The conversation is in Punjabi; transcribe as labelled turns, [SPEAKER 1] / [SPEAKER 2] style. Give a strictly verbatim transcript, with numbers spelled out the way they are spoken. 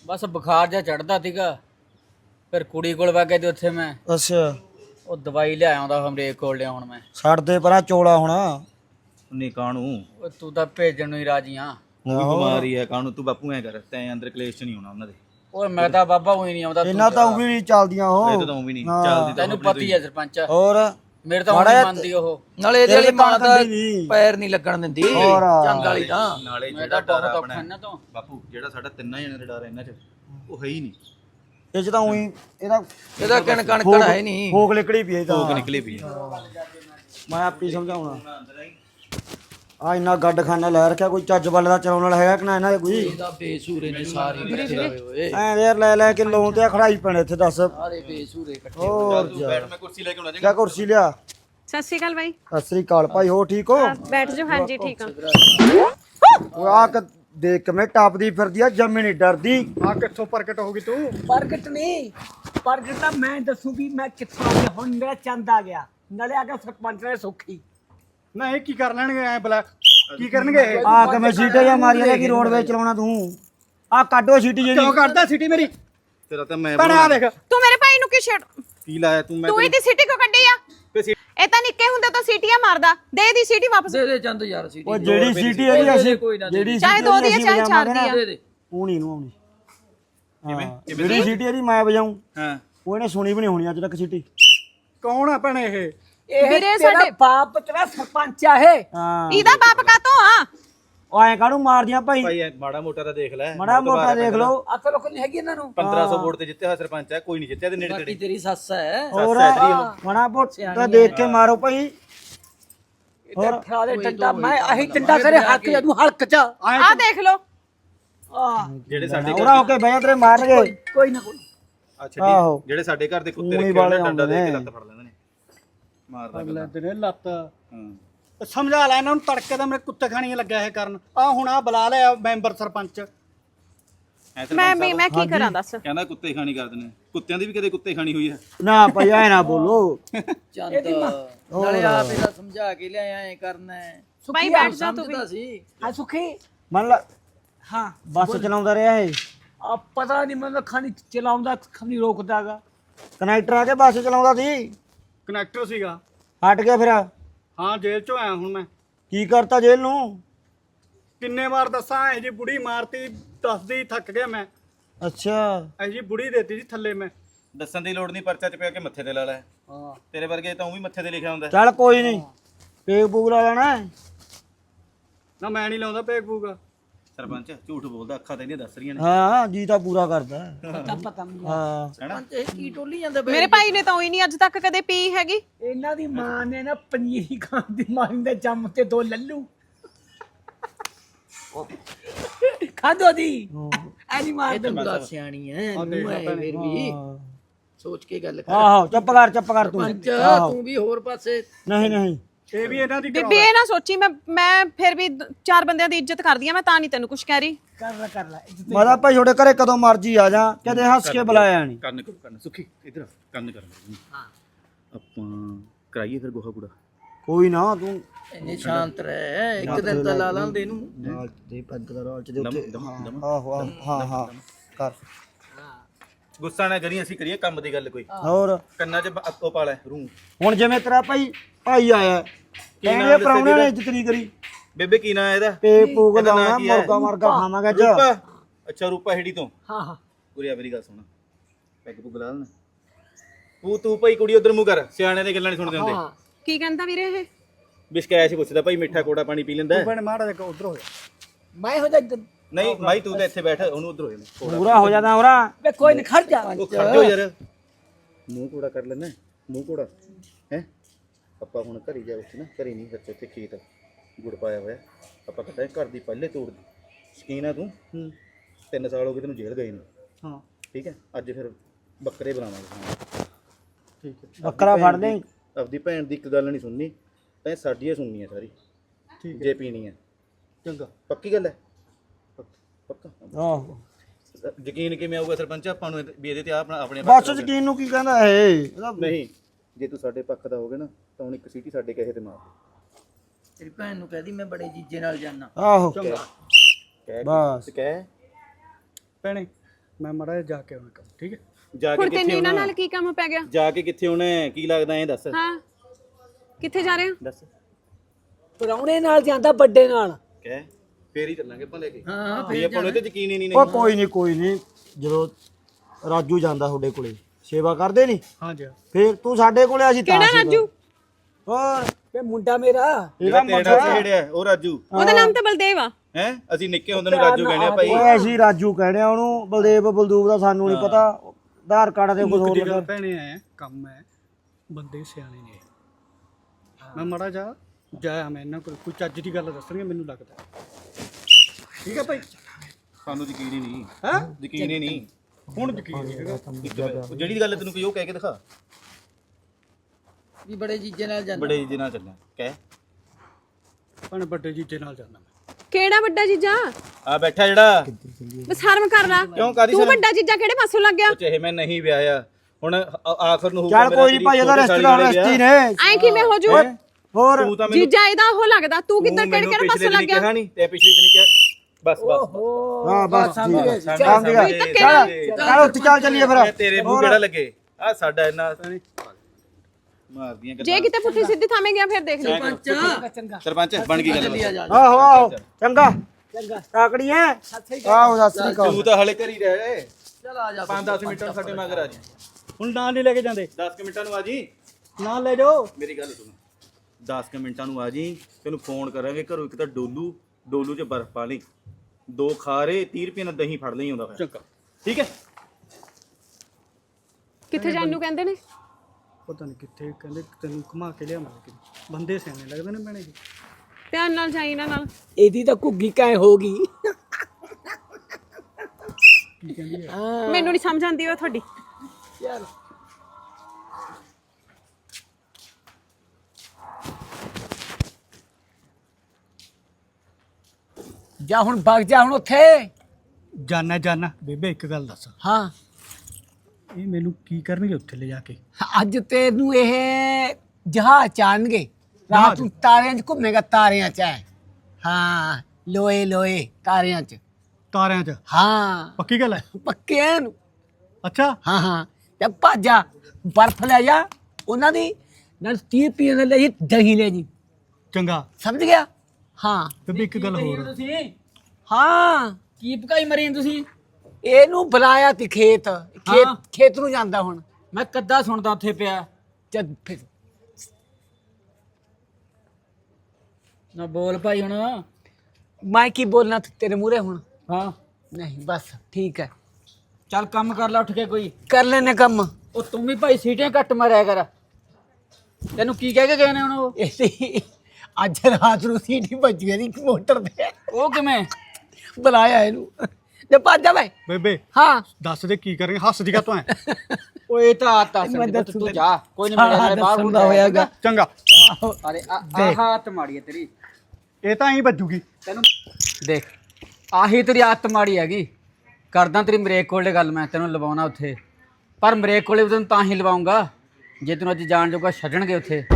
[SPEAKER 1] ਬਸ ਬੁਖਾਰ ਜਿਹਾ ਚੜਦਾ ਸੀਗਾ ਫਿਰ ਕੁੜੀ ਕੋਲ ਵਗ ਗਏ ਤੇ ਉੱਥੇ ਮੈਂ
[SPEAKER 2] ਅੱਛਾ
[SPEAKER 1] ਉਹ ਦਵਾਈ ਲਿਆ ਆਉਂਦਾ ਹਮਰੇਕ ਕੋਲ ਲਿਆ ਹੁਣ ਮੈਂ
[SPEAKER 2] ਛੱਡ ਦੇ ਪਰਾਂ ਚੋਲਾ ਹੋਣਾ।
[SPEAKER 3] ਨਹੀਂ ਕਾਣੂ
[SPEAKER 1] ਉਹ ਤੂੰ ਤਾਂ ਭੇਜਣ ਨੂੰ ਹੀ ਰਾਜੀ ਆ
[SPEAKER 3] ਉਹ ਵੀ ਬਿਮਾਰੀ ਹੈ ਕਾਣੂ ਤੂੰ ਬਾਪੂ ਐ ਕਰ ਤੈਂ ਅੰਦਰ ਕਲੇਸ਼ ਚ ਨਹੀਂ ਆਉਣਾ ਉਹਨਾਂ ਦੇ।
[SPEAKER 1] ਓਏ ਮੈਂ ਤਾਂ ਬਾਬਾ ਉਹੀ ਨਹੀਂ ਆਉਂਦਾ
[SPEAKER 2] ਇਹਨਾਂ ਤਾਂ ਉਹ ਵੀ ਨਹੀਂ ਚੱਲਦੀਆਂ ਉਹ
[SPEAKER 3] ਇਹ ਤਾਂ ਉਹ ਵੀ ਨਹੀਂ ਚੱਲਦੀ ਤਾਂ
[SPEAKER 1] ਤੈਨੂੰ ਪਤਾ ਹੀ ਹੈ ਸਰਪੰਚ
[SPEAKER 2] ਹੋਰ
[SPEAKER 1] ਮੇਰੇ ਤਾਂ ਉਹ ਨਹੀਂ ਮੰਨਦੀ ਉਹ
[SPEAKER 4] ਨਾਲੇ ਇਹਦੇ ਵਾਲੀ ਮਾਂ ਦਾ
[SPEAKER 2] ਨਹੀਂ।
[SPEAKER 4] ਪੈਰ ਨਹੀਂ ਲੱਗਣ ਦਿੰਦੀ
[SPEAKER 2] ਹੋਰ।
[SPEAKER 4] ਚੰਦ ਵਾਲੀ ਤਾਂ
[SPEAKER 3] ਨਾਲੇ
[SPEAKER 1] ਮੈਂ
[SPEAKER 3] ਜਿਹੜਾ
[SPEAKER 1] ਤਾਂ
[SPEAKER 3] ਡਰ
[SPEAKER 1] ਬਹੁਤ
[SPEAKER 3] ਆਪਣਾ
[SPEAKER 1] ਔਖਾ ਇਹਨਾਂ ਤੋਂ
[SPEAKER 3] ਬਾਪੂ ਜਿਹੜਾ ਸਾਡਾ ਤਿੰਨਾਂ ਜਣਿਆਂ ਦਾ ਡਰ ਹੈ ਇਹਨਾਂ ਚ ਉਹ ਹੈ ਹੀ ਨਹੀਂ।
[SPEAKER 2] ਇਹ ਚ ਤਾਂ ਉਹੀ ਇਹਦਾ
[SPEAKER 4] ਇਹਦਾ ਕਣ ਕਣਕਣ ਹੈ ਨਹੀਂ
[SPEAKER 2] ਫੋਕ ਲਿਕੜੀ ਪਈ ਇਹ ਤਾਂ
[SPEAKER 3] ਭੋਗ ਨਿਕਲੇ ਪਈ ਆ।
[SPEAKER 2] ਮੈਂ ਆਪੀ ਸਮਝਾਉਣਾ ਆ ਇੰਨਾ ਗੱਡ ਖਾਨਾ ਲੈ ਰੱਖਿਆ ਕੋਈ ਚੱਜ ਵੱਲ ਦਾ ਚਲਾਉਣ ਵਾਲਾ ਹੈਗਾ ਕਿ ਨਾ ਇਹਨਾਂ ਦੇ ਕੋਈ
[SPEAKER 4] ਇਹਦਾ ਬੇਸੂਰੇ ਨੇ ਸਾਰੇ ਇਕੱਠੇ ਹੋਏ ਹੋਏ
[SPEAKER 2] ਐ ਯਾਰ ਲੈ ਲੈ ਕੇ ਲੋਨ ਤੇ ਖੜਾਈ ਪੈਣੇ ਇੱਥੇ ਦੱਸ
[SPEAKER 4] ਸਾਰੇ ਬੇਸੂਰੇ ਇਕੱਠੇ
[SPEAKER 2] ਹੋਰ
[SPEAKER 3] ਤੂੰ
[SPEAKER 2] ਜਾ
[SPEAKER 3] ਬੈਠ ਮੈਂ ਕੁਰਸੀ ਲੈ ਕੇ ਆਉਣਾ
[SPEAKER 2] ਕਿਆ ਕੁਰਸੀ ਲਿਆ
[SPEAKER 5] ਸਤਿ ਸ਼੍ਰੀ ਅਕਾਲ ਬਾਈ
[SPEAKER 2] ਸਤਿ ਸ੍ਰੀ ਅਕਾਲ ਭਾਈ ਹੋ ਠੀਕ ਹੋ
[SPEAKER 5] ਬੈਠ ਜਾਓ ਹਾਂਜੀ ਠੀਕ ਆ
[SPEAKER 2] ਉਹ ਆ ਕੇ ਦੇਖ ਕਿਵੇਂ ਟੱਪਦੀ ਫਿਰਦੀ ਆ ਜੰਮੀ ਨਹੀਂ ਡਰਦੀ
[SPEAKER 6] ਆ ਕਿੱਥੋਂ ਪ੍ਰਗਟ ਹੋ ਗਈ ਤੂੰ?
[SPEAKER 7] ਪ੍ਰਗਟ ਨਹੀਂ ਪ੍ਰਗਟ ਤਾਂ ਮੈਂ ਦੱਸੂ ਵੀ ਮੈਂ ਕਿੱਥੋਂ ਆ ਗਿਆ ਹੁਣ ਮੇਰਾ ਚੰਦ ਆ ਗਿਆ ਨਾਲੇ ਆ ਗਿਆ ਸਰਪੰਚ ਨੇ ਸੁੱਖੀ
[SPEAKER 6] ਨਾ ਇਹ ਕੀ ਕਰ ਲੈਣਗੇ ਐ ਬਲਾ ਕੀ ਕਰਨਗੇ ਇਹ?
[SPEAKER 2] ਆ ਕਿਵੇਂ ਸੀਟੇ ਜਾਂ ਮਾਰੀਆਂ ਨੇ ਕਿ ਰੋਡਵੇਜ਼ ਚਲਾਉਣਾ ਤੂੰ ਆ ਕੱਢੋ ਸੀਟੀ ਜਿਹੜੀ
[SPEAKER 6] ਕਿਉਂ ਕਰਦਾ ਸਿਟੀ ਮੇਰੀ
[SPEAKER 3] ਤੇਰਾ ਤਾਂ ਮੈਂ
[SPEAKER 6] ਬਣਾ ਦੇਖ
[SPEAKER 5] ਤੂੰ ਮੇਰੇ ਭਾਈ ਨੂੰ ਕੀ ਛੇੜ
[SPEAKER 3] ਕੀ ਲਾਇਆ ਤੂੰ ਮੈਂ
[SPEAKER 5] ਤੂੰ ਇਹਦੀ ਸੀਟੀ ਕਿਉਂ ਕੱਢੀ ਆ ਇਹ ਤਾਂ ਨਿੱਕੇ ਹੁੰਦੇ ਤਾਂ ਸੀਟੀਆਂ ਮਾਰਦਾ ਦੇ ਦੀ ਸੀਟੀ ਵਾਪਸ
[SPEAKER 4] ਦੇ ਦੇ ਚੰਦ ਯਾਰ ਸੀਟੀ
[SPEAKER 2] ਉਹ ਜਿਹੜੀ ਸੀਟੀ ਇਹਦੀ ਅਸੀਂ ਜਿਹੜੀ
[SPEAKER 5] ਚਾਹੇ ਦੋ ਦੀ ਆ ਚਾਹੇ ਚਾਰ ਦੀ ਆ
[SPEAKER 4] ਦੇ ਦੇ
[SPEAKER 2] ਉਹ ਨਹੀਂ ਨੂੰ ਆਉਣੀ ਹਾਂ ਜਿਹੜੀ ਸੀਟੀ ਇਹਦੀ ਮੈਂ ਵਜਾਉਂ
[SPEAKER 3] ਹਾਂ
[SPEAKER 2] ਉਹ ਇਹਨੇ ਸੁਣੀ ਵੀ ਨਹੀਂ ਹੋਣੀ ਅੱਜ ਤੱਕ ਸੀਟੀ
[SPEAKER 6] ਕੌਣ ਆ ਭੈਣੇ ਇਹ?
[SPEAKER 7] ਇਹ
[SPEAKER 5] ਵੀਰੇ
[SPEAKER 7] ਤੇਰਾ
[SPEAKER 5] ਸਾਡੇ-
[SPEAKER 7] ਬਾਪ ਤੇਰਾ ਸਰਪੰਚ ਆ ਇਹ
[SPEAKER 2] ਹਾਂ
[SPEAKER 5] ਇਹਦਾ ਬਾਪ ਕਾਤੋਂ ਆ
[SPEAKER 2] ਉਹ ਐ ਕਾਹਨੂੰ ਮਾਰਦੀਆਂ ਭਾਈ
[SPEAKER 3] ਭਾਈ ਐ ਮਾੜਾ ਮੋਟਾ ਤਾਂ ਦੇਖ ਲੈ
[SPEAKER 2] ਮੜਾ ਮੋਟਾ ਦੇਖ ਲਓ
[SPEAKER 7] ਅਕਲ ਲੋਕ ਨਹੀਂ ਹੈਗੀ ਇਹਨਾਂ ਨੂੰ
[SPEAKER 3] ਪੰਦਰਾਂ ਸੌ ਵੋਟ ਤੇ ਜਿੱਤਿਆ ਹੋਇਆ ਸਰਪੰਚ ਹੈ ਕੋਈ ਨਹੀਂ ਜਿੱਤਿਆ ਤੇ ਨੇੜੇ
[SPEAKER 4] ਬਾਕੀ
[SPEAKER 3] ਤੇੜੇ
[SPEAKER 4] ਤੇਰੀ ਸੱਸ ਹੈ
[SPEAKER 2] ਹੋਰ ਮਣਾ ਪੋਟ ਤਾਂ ਦੇਖ ਕੇ ਮਾਰੋ ਭਾਈ
[SPEAKER 7] ਹੋਰ ਫੜਾ ਦੇ ਟੰਡਾ ਮੈਂ ਆਹੀ ਟੰਡਾ ਤੇਰੇ ਹੱਥ ਚ ਤੂੰ ਹਲਕ ਚ
[SPEAKER 5] ਆ ਦੇਖ ਲੋ
[SPEAKER 7] ਆ
[SPEAKER 3] ਜਿਹੜੇ ਸਾਡੇ
[SPEAKER 2] ਉਹਰਾ ਹੋ ਕੇ ਬਹਿ ਤੇਰੇ ਮਾਰਨਗੇ
[SPEAKER 7] ਕੋਈ ਨਾ ਕੋਈ
[SPEAKER 3] ਆ
[SPEAKER 2] ਆਹੋ।
[SPEAKER 3] ਛੱਡੀ ਜਿਹੜੇ ਸਾਡੇ ਘਰ ਦੇ ਕੁੱਤੇ
[SPEAKER 2] ਊਣੀ
[SPEAKER 3] ਰੱਖੇ
[SPEAKER 2] ਵਾਲੇ
[SPEAKER 3] ਉਹਨਾਂ ਡੰਡਾ ਦੇ ਕੇ
[SPEAKER 2] ਆਉਂਦੇ
[SPEAKER 3] ਲੱਤ ਫੜ ਲੈਂਦੇ ਨੇ ਮਾਰਦਾ
[SPEAKER 6] ਅਗਲੇ
[SPEAKER 3] ਗੱਲਾਂ
[SPEAKER 6] ਦਿਨੇ ਲੱਤ
[SPEAKER 3] ਹਾਂ
[SPEAKER 6] ਸਮਝਾ ਲੈ ਇਹਨਾਂ ਨੂੰ ਤੜਕੇ ਦਾ ਮੇਰੇ ਕੁੱਤੇ ਖਾਣੀਆਂ ਲੱਗਿਆ ਇਹ ਕਰਨ ਆ ਹੁਣ ਆ ਬੁਲਾ ਲਿਆ ਮੈਂਬਰ ਸਰਪੰਚ
[SPEAKER 3] ਐ ਸਰਪੰਚ
[SPEAKER 5] ਮੈਂ ਵੀ
[SPEAKER 3] ਸਾਹਿਬ
[SPEAKER 5] ਮੈਂ ਕੀ ਕਰਾਂ ਦੱਸ
[SPEAKER 3] ਕਹਿੰਦਾ ਕੁੱਤੇ ਖਾਣੀ ਕਰਦੇ ਨੇ ਕੁੱਤਿਆਂ ਦੀ ਵੀ ਕਦੇ ਕੁੱਤੇ ਖਾਣੀ ਹੋਈ ਹੈ
[SPEAKER 2] ਨਾ ਭਾਈ ਐ ਨਾ ਬੋਲੋ
[SPEAKER 4] ਚੰਦ ਨਾਲੇ ਆਪ ਇਹਦਾ ਸਮਝਾ ਕੇ ਲਿਆਇਆ ਐ ਕਰਨਾ ਹੈ
[SPEAKER 5] ਭਾਈ ਬੈਠ ਜਾ ਤੂੰ ਵੀ
[SPEAKER 4] ਸਮਝਦਾ ਸੀ
[SPEAKER 7] ਆ ਸੁਖੀ
[SPEAKER 2] ਮੰਨ ਲਾ
[SPEAKER 7] ਹਾਂ
[SPEAKER 2] ਬੱਸ ਚਲਾਉਂਦਾ ਰਿਹਾ ਇਹ
[SPEAKER 7] ਆ ਪਤਾ ਨਹੀਂ ਮੈਨੂੰ ਖਾਣੀ ਚਲਾਉਂਦਾ ਖਾਣੀ ਰੋਕਦਾਗਾ
[SPEAKER 2] ਕਨੈਕਟਰ ਆ ਕੇ ਬੱਸ ਚਲਾਉਂਦਾ ਸੀ
[SPEAKER 6] ਕਨੈਕਟਰ ਸੀਗਾ
[SPEAKER 2] ਹਟ ਗਿਆ ਫਿਰ
[SPEAKER 6] ਹਾਂ ਜੇਲ੍ਹ ਚੋਂ ਆਇਆ ਹੁਣ ਮੈਂ
[SPEAKER 2] ਕੀ ਕਰਤਾ ਜੇਲ੍ਹ ਨੂੰ
[SPEAKER 6] ਕਿੰਨੇ ਵਾਰ ਦੱਸਾਂ ਇਹ ਜੀ ਬੁੜੀ ਮਾਰਤੀ ਦੱਸਦੀ ਥੱਕ ਗਿਆ ਮੈਂ
[SPEAKER 2] ਅੱਛਾ
[SPEAKER 6] ਇਹ ਜੀ ਬੁੜੀ ਦੇਤੀ ਜੀ ਥੱਲੇ ਮੈਂ
[SPEAKER 3] ਦੱਸਣ ਦੀ ਲੋੜ ਨਹੀਂ ਪਰਚਾ ਚ ਪਿਆ ਕੇ ਮੱਥੇ ਤੇ ਲਾ ਲੈ
[SPEAKER 6] ਹਾਂ
[SPEAKER 3] ਤੇਰੇ ਵਰਗੇ ਤਾਂ ਉਹ ਵੀ ਮੱਥੇ ਤੇ ਲਿਖਿਆ ਹੁੰਦਾ
[SPEAKER 2] ਚੱਲ ਕੋਈ ਨਹੀਂ ਪੇਕ ਪੂਕ ਲਾ ਲੈਣਾ ਹੈ।
[SPEAKER 6] ਨਾ ਮੈਂ ਨਹੀਂ ਲਾਉਂਦਾ ਪੇਕ ਪੂਗਾ
[SPEAKER 3] ਸਰਪੰਚ ਝੂਠ ਬੋਲਦਾ ਅੱਖਾਂ ਤੇ ਨਹੀਂ ਦੱਸ ਰਹੀਆਂ ਨੇ
[SPEAKER 2] ਹਾਂ ਜੀ ਤਾਂ ਪੂਰਾ ਕਰਦਾ ਹੈ।
[SPEAKER 7] ਪਤਾ ਪਤਾ ਮੈਨੂੰ
[SPEAKER 2] ਹਾਂ
[SPEAKER 3] ਹੈਨਾ
[SPEAKER 4] ਇਹ ਕੀ ਟੋਲੀ ਜਾਂਦੇ ਪਏ
[SPEAKER 5] ਮੇਰੇ ਭਾਈ ਨੇ ਤਾਂ ਉਹੀ ਨਹੀਂ ਅੱਜ ਤੱਕ ਕਦੇ ਪੀ ਹੈਗੀ
[SPEAKER 7] ਇਹਨਾਂ ਦੀ ਮਾਂ ਨੇ ਨਾ ਪਨੀਰੀ ਖਾਣ ਦੀ ਮਾਂ ਦੇ ਜੰਮ ਤੇ ਦੋ ਲੱਲੂ ਖਾਦੋ ਦੀ ਐਨੀ ਮਾਰ
[SPEAKER 4] ਇਹ ਤਾਂ ਬੜਾ ਸਿਆਣੀ ਹੈ ਨੂੰ ਹੈ ਫਿਰ ਵੀ
[SPEAKER 2] ਹਾਂ।
[SPEAKER 4] ਸੋਚ ਕੇ ਗੱਲ ਕਰ
[SPEAKER 2] ਆਹੋ ਚੁੱਪ ਕਰ ਚੁੱਪ ਕਰ ਤੂੰ
[SPEAKER 4] ਪੰਚ
[SPEAKER 2] ਆਹੋ।
[SPEAKER 4] ਤੂੰ ਵੀ ਹੋਰ ਪਾਸੇ
[SPEAKER 2] ਨਹੀਂ ਨਹੀਂ
[SPEAKER 6] ਇਹ ਵੀ ਇਹਨਾਂ ਦੀ
[SPEAKER 5] ਬੀਬੀ ਇਹ ਨਾ ਸੋਚੀ ਮੈਂ ਮੈਂ ਫਿਰ ਵੀ ਦ- ਚਾਰ ਬੰਦਿਆਂ ਦੀ ਇੱਜ਼ਤ ਕਰਦੀ ਆ ਮੈਂ ਤਾਂ ਨਹੀਂ ਤੈਨੂੰ ਕੁਝ ਕਹਿ ਰਹੀ
[SPEAKER 7] ਕਰ ਲੈ ਕਰ ਲੈ ਇੱਜ਼ਤ
[SPEAKER 2] ਮੈਂ ਤਾਂ ਭਾਈ ਤੁਹਾਡੇ ਘਰੇ ਕਦੋਂ ਮਰਜੀ ਆ ਜਾ ਕਦੇ ਹੱਸ ਕੇ ਬੁਲਾਇਆ ਨਹੀਂ
[SPEAKER 3] ਕੰਨ ਕਰੋ ਕੰਨ ਸੁਖੀ ਇਧਰ ਕੰਨ ਕਰ ਹਾਂ ਆਪਾਂ ਕਰਾਈਏ ਫਿਰ ਗੋਹਾ ਕੂੜਾ
[SPEAKER 2] ਕੋਈ ਨਾ ਤੂੰ
[SPEAKER 4] ਇੰਨੇ ਸ਼ਾਂਤ ਰਹਿ ਇੱਕ ਦਿਨ ਤਾਂ ਲਾ ਲਾਂਦੇ ਇਹਨੂੰ
[SPEAKER 2] ਨਾਲ ਦੇ ਪੱਗ ਦਾ ਰਾਲ ਚ ਦੇ ਉੱਤੇ
[SPEAKER 3] ਦਮ-
[SPEAKER 2] ਹਾਂ,
[SPEAKER 3] ਦਮ-
[SPEAKER 2] ਆਹੋ ਆਹੋ, ਹਾਂ ਹਾਂ ਕਰ
[SPEAKER 3] ਗੁੱਸਾ ਨਾ ਕਰੀ ਅਸੀਂ ਕਰੀਏ ਕੰਮ ਦੀ ਗੱਲ ਕੋਈ
[SPEAKER 2] ਹੋਰ
[SPEAKER 3] ਕੰਨਾਂ 'ਚ ਅੱਤੋਂ ਪਾ ਲੈ ਰੂ
[SPEAKER 2] ਹੁਣ ਜਿਵੇਂ ਤੇਰਾ ਭਾਈ ਭਾਈ ਆਇਆ ਕਹਿੰਦੇ
[SPEAKER 3] ਦੱਸੇ
[SPEAKER 2] ਪ੍ਰਾਹੁਣੇ ਨੇ
[SPEAKER 3] ਤੇਰਾ?
[SPEAKER 2] ਇੱਜ਼ਤ ਨਹੀਂ ਕਰੀ
[SPEAKER 3] ਬੇਬੇ ਕੀ ਨਾਂ ਇਹਦਾ
[SPEAKER 2] ਪੇ ਪੂਗ
[SPEAKER 3] ਇਹਦਾ ਨਾਂ
[SPEAKER 2] ਲਾਉਣਾ
[SPEAKER 3] ਕੀ ਹੈ?
[SPEAKER 2] ਮੁਰਗਾ ਮਰਗਾ ਖਾਵਾਂਗੇ ਅੱਜ
[SPEAKER 3] ਰੂਪਾ ਅੱਛਾ ਰੂਪਾ ਹੈੜੀ ਤੋਂ
[SPEAKER 7] ਹਾਂ ਹਾਂ
[SPEAKER 3] ਗੁਰਿਆ ਮੇਰੀ ਗੱਲ ਸੁਣ ਪੈਗ ਪੁਗ ਲਾ ਲੈਣਾ ਤੂੰ ਤੂੰ ਭਾਈ ਕੁੜੀ ਉਧਰ ਮੂੰਹ ਕਰ ਸਿਆਣਿਆਂ ਦੀ ਗੱਲਾਂ ਨਹੀਂ ਸੁਣਦੇ ਹੁੰਦੇ
[SPEAKER 7] ਹਾਂ
[SPEAKER 5] ਕੀ ਕਹਿੰਦਾ ਵੀਰੇ ਇਹ
[SPEAKER 3] ਬਿਸ਼ਕੈਸ਼ ਪੁੱਛਦਾ ਭਾਈ ਮਿੱਠਾ ਕੋੜਾ ਪਾਣੀ ਪੀ ਲੈਂਦਾ ਹੈ?
[SPEAKER 6] ਭੈਣੇ ਮਾੜਾ ਜਿਹਾ ਉਧਰ ਹੋ ਜਾ
[SPEAKER 7] ਮੈਂ ਹੋ ਜਾ ਇੱਧਰ।
[SPEAKER 3] ਨਹੀਂ ਮਾਈ ਤੂੰ ਤਾਂ ਇੱਥੇ ਬੈਠ ਉਹਨੂੰ ਉਧਰ ਹੋ ਜਾਣਾ ਕੋੜਾ
[SPEAKER 2] ਪੂਰਾ ਹੋ ਜਾਂਦਾ ਹੋਰਾ
[SPEAKER 7] ਵੇ ਕੋਈ ਨਹੀਂ ਖੜ ਜਾ
[SPEAKER 3] ਉਹ ਖੜ ਜਾਓ ਯਾਰ ਮੂੰਹ ਕੋੜਾ ਕਰ ਲੈਣਾ ਮੂੰਹ ਕੋੜਾ ਹੈ ਆਪਾਂ ਹੁਣ ਘਰੀ ਜਾ ਉੱਥੇ ਨਾ ਘਰੀ ਨਹੀਂ ਬੱਚੇ ਤੇ ਖੇਤ ਗੁੜ ਪਾਇਆ ਹੋਇਆ ਆਪਾਂ ਕਹਿੰਦੇ ਘਰ ਦੀ ਪਹਿਲੇ ਤੋੜ ਦੀ ਸ਼ਕੀਨ ਆ ਤੂੰ
[SPEAKER 2] ਹੂੰ
[SPEAKER 3] ਤਿੰਨ ਸਾਲ ਹੋ ਗਏ ਤੈਨੂੰ ਜੇਲ੍ਹ ਗਏ ਨੂੰ
[SPEAKER 2] ਹਾਂ
[SPEAKER 3] ਠੀਕ ਹੈ ਅੱਜ ਫਿਰ ਬੱਕਰੇ ਬਣਾਵਾਂਗੇ
[SPEAKER 2] ਠੀਕ ਹੈ ਬੱਕਰਾ ਫੜ ਲੈ
[SPEAKER 3] ਆਪਦੀ ਭੈਣ ਦੀ ਇੱਕ ਗੱਲ ਨਹੀਂ ਸੁਣਨੀ ਤੈਂ ਸਾਡੀ ਹੀ ਸੁਣਨੀ ਹੈ ਸਾਰੀ
[SPEAKER 2] ਠੀਕ
[SPEAKER 3] ਜੇ ਪੀਣੀ ਹੈ
[SPEAKER 2] ਚੰਗਾ
[SPEAKER 3] ਪੱਕੀ ਗੱਲ ਹੈ ਪੱਕ- ਪੱਕਾ
[SPEAKER 2] ਆਹੋ
[SPEAKER 3] ਯਕੀਨ ਕਿਵੇਂ ਆਊਗਾ ਸਰਪੰਚ ਆਪਾਂ ਨੂੰ ਇਹਦੇ- ਵੀ ਇਹਦੇ ਤੇ ਆਹ ਆਪਣਾ ਆਪਣੇ
[SPEAKER 2] ਬਸ ਯਕੀਨ ਨੂੰ ਕੀ ਕਹਿੰਦਾ ਇਹ ਇਹਦਾ
[SPEAKER 3] ਨਹੀਂ ਜੇ ਤੂੰ ਸਾਡੇ ਪੱਖ ਦਾ ਹੋਗੇ ਨਾ ਤਾਂ ਹੁਣ ਇੱਕ ਸੀਟੀ ਸਾਡੇ ਕਹੇ ਤੇ ਮਾਰ
[SPEAKER 4] ਤੇਰੀ ਭੈਣ ਨੂੰ ਕਹਦੀ ਮੈਂ ਬੜੇ ਜੀਜੇ ਨਾਲ ਜਾਣਾ
[SPEAKER 2] ਆਹੋ
[SPEAKER 3] ਕਹਿ
[SPEAKER 2] ਬਸ।
[SPEAKER 3] ਕਹਿ
[SPEAKER 6] ਭੈਣੇ ਮੈਂ ਮੜਾ ਜਾ ਕੇ ਆਉਣਾ ਕੰਮ, ਠੀਕ ਹੈ?
[SPEAKER 3] ਜਾ ਕੇ
[SPEAKER 5] ਹੁਣ
[SPEAKER 3] ਕਿੱਥੇ
[SPEAKER 5] ਤੈਨੂੰ ਇਹਨਾਂ
[SPEAKER 3] ਹੋਣਾ
[SPEAKER 5] ਨਾਲ ਕੀ ਕੰਮ ਪੈ ਗਿਆ?
[SPEAKER 3] ਜਾ ਕੇ ਕਿੱਥੇ ਹੋਣਾ ਹੈ? ਕੀ ਲੱਗਦਾ ਐ ਦੱਸ
[SPEAKER 5] ਹਾਂ ਕਿੱਥੇ ਜਾ ਰਹੇ ਹੋ?
[SPEAKER 3] ਦੱਸ
[SPEAKER 7] ਪਰਾਉਣੇ ਨਾਲ ਜਾਂਦਾ ਵੱਡੇ ਨਾਲ।
[SPEAKER 3] ਕਹਿ ਫੇਰ ਹੀ ਚੱਲਾਂਗੇ ਭਲੇ ਕੇ ਹਾਂ ਫੇਰ ਆਪਾਂ ਨੂੰ ਤੇ ਯਕੀਨ ਹੀ ਨਹੀਂ
[SPEAKER 2] ਉਹ ਕੋਈ ਨਹੀਂ ਕੋਈ ਨਹੀਂ, ਜਦੋਂ ਰਾਜੂ ਜਾਂਦਾ ਤੁਹਾਡੇ ਕੋਲੇ ਸੇਵਾ ਕਰਦੇ ਨਹੀਂ
[SPEAKER 6] ਹਾਂ ਜੀ।
[SPEAKER 2] ਫੇਰ ਤੂੰ ਸਾਡੇ ਕੋਲੇ ਅਸੀਂ ਤਾਂ
[SPEAKER 5] ਕਿਹੜਾ
[SPEAKER 2] ਸੇਵਾ-
[SPEAKER 5] ਰਾਜੂ?
[SPEAKER 2] ਹੋਰ
[SPEAKER 7] ਵੇ ਮੁੰਡਾ ਮੇਰਾ
[SPEAKER 2] ਇਹਦਾ
[SPEAKER 3] ਜਿਹੜਾ ਤੇਰਾ
[SPEAKER 2] ਮੁੰਡਾ
[SPEAKER 3] ਸਹੇੜਿਆ ਉਹ ਰਾਜੂ
[SPEAKER 5] ਉਹਦਾ ਨਾਮ ਤਾਂ ਬਲਦੇਵ ਆ।
[SPEAKER 3] ਹੈ ਅਸੀਂ ਨਿੱਕੇ ਹੁੰਦੇ ਨੂੰ ਰਾਜੂ ਕਹਿੰਦੇ ਆ ਭਾਈ।
[SPEAKER 2] ਓਏ ਅਸੀਂ ਰਾਜੂ ਕਹਿੰਦੇ ਆ ਉਹਨੂੰ, ਬਲਦੇਵ ਬਲਦੂਬ ਦਾ ਸਾਨੂੰ ਨਹੀਂ ਪਤਾ, ਆਧਾਰ ਕਾਰਡ ਦੇ ਕੁਝ ਹੋਰ
[SPEAKER 6] ਮੁੱਕਦੀ ਗੱਲ
[SPEAKER 2] ਲੱਗਾ।
[SPEAKER 6] ਭੈਣੇ ਐ ਕੰਮ ਹੈ, ਬੰਦੇ ਸਿਆਣੇ ਨੇ। ਮੈਂ ਮੜਾ ਜਾ ਜਾਇਆ ਮੈਂ ਇਹਨਾਂ ਕੋਲ, ਕੋਈ ਚੱਜ ਦੀ ਗੱਲ ਦੱਸਣਗੇ ਮੈਨੂੰ ਲੱਗਦਾ। ਠੀਕ ਹੈ ਭਾਈ?
[SPEAKER 3] ਸਾਨੂੰ ਯਕੀਨ ਹੀ ਨਹੀਂ
[SPEAKER 6] ਹੈ
[SPEAKER 3] ਯਕੀਨ ਹੀ ਨਹੀਂ
[SPEAKER 6] ਹੁਣ ਯਕੀਨ ਨਹੀਂ ਹੈਗਾ।
[SPEAKER 3] ਇੱਕ ਮਿੰਟ, ਉਹ ਜਿਹੜੀ ਗੱਲ ਤੈਨੂੰ ਕੋਈ ਉਹ ਕਹਿ ਕੇ ਦਿਖਾ
[SPEAKER 4] ਵੀ ਬੜੇ ਜੀਜੇ ਨਾਲ ਜਾਂਦਾ।
[SPEAKER 3] ਬੜੇ ਜੀ ਨਾਲ ਚੱਲਿਆ ਕਹਿ
[SPEAKER 6] ਭੈਣੇ ਵੱਡੇ ਜੀਜੇ ਨਾਲ ਜਾਂਦਾ ਮੈਂ।
[SPEAKER 5] ਕਿਹੜਾ ਵੱਡਾ ਜੀਜਾ?
[SPEAKER 3] ਆ ਬੈਠਾ ਜਿਹੜਾ
[SPEAKER 5] ਬਸ ਸ਼ਰਮ ਕਰ ਲਾ।
[SPEAKER 3] ਕਿਉਂ ਕਾਦੀ
[SPEAKER 5] ਤੂੰ ਵੱਡਾ ਜੀਜਾ ਕਿਹੜੇ ਪਾਸੋਂ ਲੱਗ ਗਿਆ?
[SPEAKER 3] ਚਾਹੇ ਮੈਂ ਨਹੀਂ ਵਿਆਹਿਆ ਹੁਣ ਆ- ਆਖਰ ਨੂੰ ਹੋਊਗਾ
[SPEAKER 2] ਚੱਲ ਕੋਈ ਨਹੀਂ ਭਾਈ, ਉਹਦਾ ਰਿਸ਼ਤੇਦਾਰ ਰਸਤੀ ਨੇ।
[SPEAKER 5] ਐ ਕਿਵੇਂ ਹੋ ਜੂ?
[SPEAKER 2] ਹੋਰ
[SPEAKER 3] ਤੂੰ ਤਾਂ ਮੈਨੂੰ
[SPEAKER 5] ਜੀਜਾ ਇਹਦਾ ਉਹ ਲੱਗਦਾ, ਤੂੰ ਕਿੱਧਰ ਕਿਹੜੇ ਕਿਹੜੇ ਪਾਸੋਂ ਲੱਗ ਗਿਆ?
[SPEAKER 3] ਕਿਹਾ ਨਹੀਂ ਤੇ ਪਿਛਲੇ ਦਿਨ ਕਿਹਾ ਬਸ ਬਸ
[SPEAKER 2] ਹਾਂ ਬਸ ਠੀਕ ਹੈ,
[SPEAKER 3] ਸਮਝ
[SPEAKER 2] ਸਮਝ ਗਿਆ।
[SPEAKER 3] ਗਏ,
[SPEAKER 5] ਕਿਹੜਾ?
[SPEAKER 3] ਸਮਝ ਗਏ।
[SPEAKER 2] ਚੱਲ ਉੱਠ ਚੱਲ ਚੱਲੀਏ ਫਿਰ।
[SPEAKER 3] ਤੇਰੇ ਮੂੰਹ ਕਿਹੜਾ ਲੱਗੇ ਆ ਸਾਡਾ ਇੰਨਾ ਮਾਰਦੀਆਂ
[SPEAKER 5] ਜੇ
[SPEAKER 3] ਗੱਲਾਂ
[SPEAKER 5] ਕਿਤੇ ਪੁੱਠੀ ਸਿੱਧੀ ਥਾਵੇਂ ਗਿਆ ਫਿਰ ਦੇਖ ਲਈ।
[SPEAKER 7] ਚੰਗਾ
[SPEAKER 3] ਸਰਪੰਚ ਬਣ ਗਈ ਗੱਲ
[SPEAKER 2] ਆਹੋ ਆਹੋ ਚੰਗਾ
[SPEAKER 7] ਚੰਗਾ
[SPEAKER 2] ਤਾਕੜੀ ਐ। ਆਹੋ ਸਤਿ ਸ੍ਰੀ ਅਕਾਲ।
[SPEAKER 3] ਤੂੰ ਤਾਂ ਹਲੇ ਘਰੀ ਰਹਿ
[SPEAKER 4] ਚਲ ਆ ਜਾ
[SPEAKER 3] ਪੰਜ ਦਸ ਮਿੰਟਾਂ ਨੂੰ ਸਾਡੇ ਮਗਰ ਆ ਜੀ
[SPEAKER 6] ਹੁਣ ਨਾਲ ਨਹੀਂ ਲੈ ਕੇ ਜਾਂਦੇ,
[SPEAKER 3] ਦਸ ਮਿੰਟਾਂ ਨੂੰ ਆ ਜੀ
[SPEAKER 6] ਨਾਲ ਲੈ ਜਾਓ।
[SPEAKER 3] ਮੇਰੀ ਗੱਲ ਸੁਣ ਦਸ ਕੁ ਮਿੰਟਾਂ ਨੂੰ ਆ ਜੀ ਤੈਨੂੰ ਫੋਨ ਕਰਾਂਗੇ ਘਰੋਂ ਇੱਕ ਤਾਂ ਡੋਲੂ ਡੋਲੂ 'ਚ ਬਰਫ਼ ਪਾ ਲਈ, ਦੋ ਖਾਰੇ ਤੀਹ ਰੁਪਏ ਨਾਲ ਦਹੀਂ ਫੜ ਲਈ ਆਉਂਦਾ ਫਿਰ
[SPEAKER 6] ਚੰਗਾ
[SPEAKER 3] ਠੀਕ ਹੈ।
[SPEAKER 5] ਕਿੱਥੇ ਜਾਣ ਨੂੰ ਕਹਿੰਦੇ ਨੇ?
[SPEAKER 6] ਪਤਾ ਨਹੀਂ ਕਿੱਥੇ ਕਹਿੰਦੇ ਤੈਨੂੰ ਘੁਮਾ ਕੇ ਲਿਆਵਾਂਗੇ। ਬੰਦੇ ਸਿਆਣੇ ਲੱਗਦੇ ਨੇ ਭੈਣੇ ਜੀ।
[SPEAKER 5] ਧਿਆਨ ਨਾਲ ਜਾਈ ਇਹਨਾਂ ਨਾਲ।
[SPEAKER 7] ਇਹਦੀ ਤਾਂ ਘੁੱਗੀ ਕਾਇ ਹੋ ਗਈ।
[SPEAKER 6] ਕੀ ਕਹਿੰਦੀ ਹੈ?
[SPEAKER 5] ਮੈਨੂੰ ਨਹੀਂ ਸਮਝ ਆਉਂਦੀ ਉਹ ਤੁਹਾਡੀ।
[SPEAKER 7] ਯਾਰ ਜਾ ਹੁਣ ਵਗ ਜਾ ਹੁਣ ਉੱਥੇ।
[SPEAKER 6] ਜਾਨਾ ਜਾਨਾ ਬੇਬੇ ਇੱਕ ਗੱਲ ਦੱਸ,
[SPEAKER 7] ਹਾਂ
[SPEAKER 6] ਇਹ ਮੈਨੂੰ ਕੀ ਕਰਨਗੇ ਉੱਥੇ ਲੈ ਜਾ ਕੇ?
[SPEAKER 7] ਅੱਜ ਤੈਨੂੰ ਇਹ ਜਹਾਜ਼ ਚਾਣਗੇ, ਰਾਤ ਨੂੰ ਤਾਰਿਆਂ 'ਚ ਘੁੰਮੇਗਾ, ਤਾਰਿਆਂ 'ਚ ਹੈ। ਹਾਂ ਲੋਏ ਲੋਏ ਤਾਰਿਆਂ 'ਚ।
[SPEAKER 6] ਤਾਰਿਆਂ 'ਚ?
[SPEAKER 7] ਹਾਂ
[SPEAKER 6] ਪੱਕੀ ਗੱਲ ਹੈ?
[SPEAKER 7] ਪੱਕੇ ਐਨ।
[SPEAKER 6] ਅੱਛਾ
[SPEAKER 7] ਹਾਂ ਹਾਂ ਤੇ ਭਾਜਾ ਬਰਫ ਲੈ ਜਾ ਉਹਨਾਂ ਦੀ, ਨਾਲ ਤੀਹ ਪੀਣ ਲਈ ਦਹੀਂ ਲੈ ਜੀ।
[SPEAKER 6] ਚੰਗਾ
[SPEAKER 7] ਸਮਝ ਗਿਆ? ਹਾਂ
[SPEAKER 6] ਬੇਬੇ ਇੱਕ ਗੱਲ ਹੋਰ,
[SPEAKER 4] ਤੁਸੀਂ
[SPEAKER 7] ਹਾਂ
[SPEAKER 4] ਕੀ ਪਕਾਈ ਮਰੀ ਤੁਸੀਂ?
[SPEAKER 7] ਇਹਨੂੰ ਬੁਲਾਇਆ ਤੀ ਖੇਤ,
[SPEAKER 4] ਹਾਂ।
[SPEAKER 7] ਖੇਤ ਖੇਤ ਨੂੰ ਜਾਂਦਾ ਹੁਣ।
[SPEAKER 4] ਮੈਂ ਕੱਦਾ ਸੁਣਦਾ ਉੱਥੇ ਪਿਆ
[SPEAKER 7] ਜਦ ਫਿਰ
[SPEAKER 4] ਨਾ ਬੋਲ ਭਾਈ ਹੁਣ।
[SPEAKER 7] ਮੈਂ ਕੀ ਬੋਲਣਾ ਤੇਰੇ ਮੂਹਰੇ ਹੁਣ?
[SPEAKER 4] ਹਾਂ
[SPEAKER 7] ਨਹੀਂ ਬਸ ਠੀਕ ਹੈ,
[SPEAKER 4] ਚੱਲ ਕੰਮ ਕਰ ਲੈ ਉੱਠ ਕੇ ਕੋਈ।
[SPEAKER 7] ਕਰ ਲੈਨੇ ਕੰਮ।
[SPEAKER 4] ਉਹ ਤੂੰ ਵੀ ਭਾਈ ਸੀਟੀਆਂ ਘੱਟ ਮਾਰਿਆ ਕਰ। ਤੈਨੂੰ ਕੀ ਕਹਿ ਕੇ ਗਏ ਨੇ ਹੁਣ ਉਹ?
[SPEAKER 7] ਇਹਦੀ ਅੱਜ ਰਾਤ ਨੂੰ ਸੀਟੀ ਵੱਜੀ ਇਹਦੀ ਮੋਟਰ ਤੇ,
[SPEAKER 4] ਉਹ ਕਿਵੇਂ?
[SPEAKER 7] ਬੁਲਾਇਆ ਇਹਨੂੰ ਤੇ ਭੱਜ ਜਾ ਬਈ।
[SPEAKER 6] ਬੇਬੇ
[SPEAKER 7] ਹਾਂ
[SPEAKER 6] ਦੱਸ ਦੇ ਕੀ ਕਰਾਂਗੇ, ਹੱਸਦੀ ਕਾ ਤੂੰ ਐ?
[SPEAKER 4] ਓਏ ਤਾਂ ਆਤਾ
[SPEAKER 7] ਮੈਂ
[SPEAKER 4] ਸਕਦੀ
[SPEAKER 7] ਦੱਸੂ
[SPEAKER 4] ਤੂੰ ਜਾ ਕੋਈ ਨਹੀਂ ਮੇਰੇ
[SPEAKER 7] ਹਾਂ,
[SPEAKER 4] ਨਾਲ ਬਾਹਰ
[SPEAKER 7] ਦੱਸਣ ਦਾ ਹੋਇਆਗਾ।
[SPEAKER 6] ਚੰਗਾ
[SPEAKER 4] ਅਰੇ ਆ ਆਹ ਹੱਥ ਮਾੜੀ ਹੈ ਤੇਰੀ।
[SPEAKER 6] ਇਹ ਤਾਂ ਐਂ ਵੱਜੂਗੀ।
[SPEAKER 4] ਤੈਨੂੰ ਦੇਖ ਆਹੀ ਤੇਰੀ ਆਦਤ ਮਾੜੀ ਹੈਗੀ। ਕਰਦਾ ਤੇਰੀ ਮਰੇਕ ਕੋਲੇ ਗੱਲ, ਮੈਂ ਤੈਨੂੰ ਲਵਾਉਣਾ ਉੱਥੇ, ਪਰ ਮਰੇਕ ਕੋਲੇ ਵੀ ਤੈਨੂੰ ਤਾਂ ਹੀ ਲਵਾਉਂਗਾ ਜੇ ਤੈਨੂੰ ਅੱਜ ਜਾਣ ਜੋਗਾ ਛੱਡਣਗੇ ਉੱਥੇ।